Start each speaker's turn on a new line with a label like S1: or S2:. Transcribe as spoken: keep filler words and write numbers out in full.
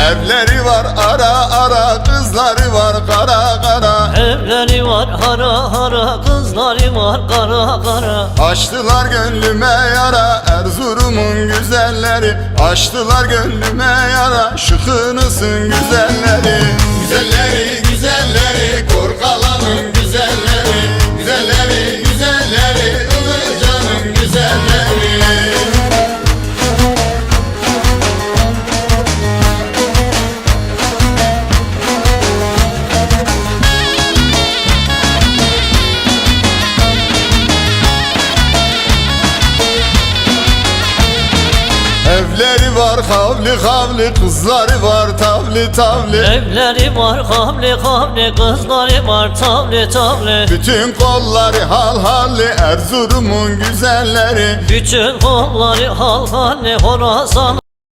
S1: Evleri var ara ara, kızları var kara kara.
S2: Evleri var hara hara, kızları var kara kara.
S1: Açtılar gönlüme yara Erzurum'un güzelleri. Açtılar gönlüme yara, şıkınısın güzelleri. Güzelleri güzelleri, Korkalan'ın güzelleri. Güzelleri güzelleri, Ilıca'nın güzelleri. Evleri var havli havli, kızları var tavli tavli.
S2: Evleri var havli havli, kızları var tavli tavli.
S1: Bütün kolları hal halli, Erzurum'un güzelleri.
S2: Bütün kolları hal halli, Horasan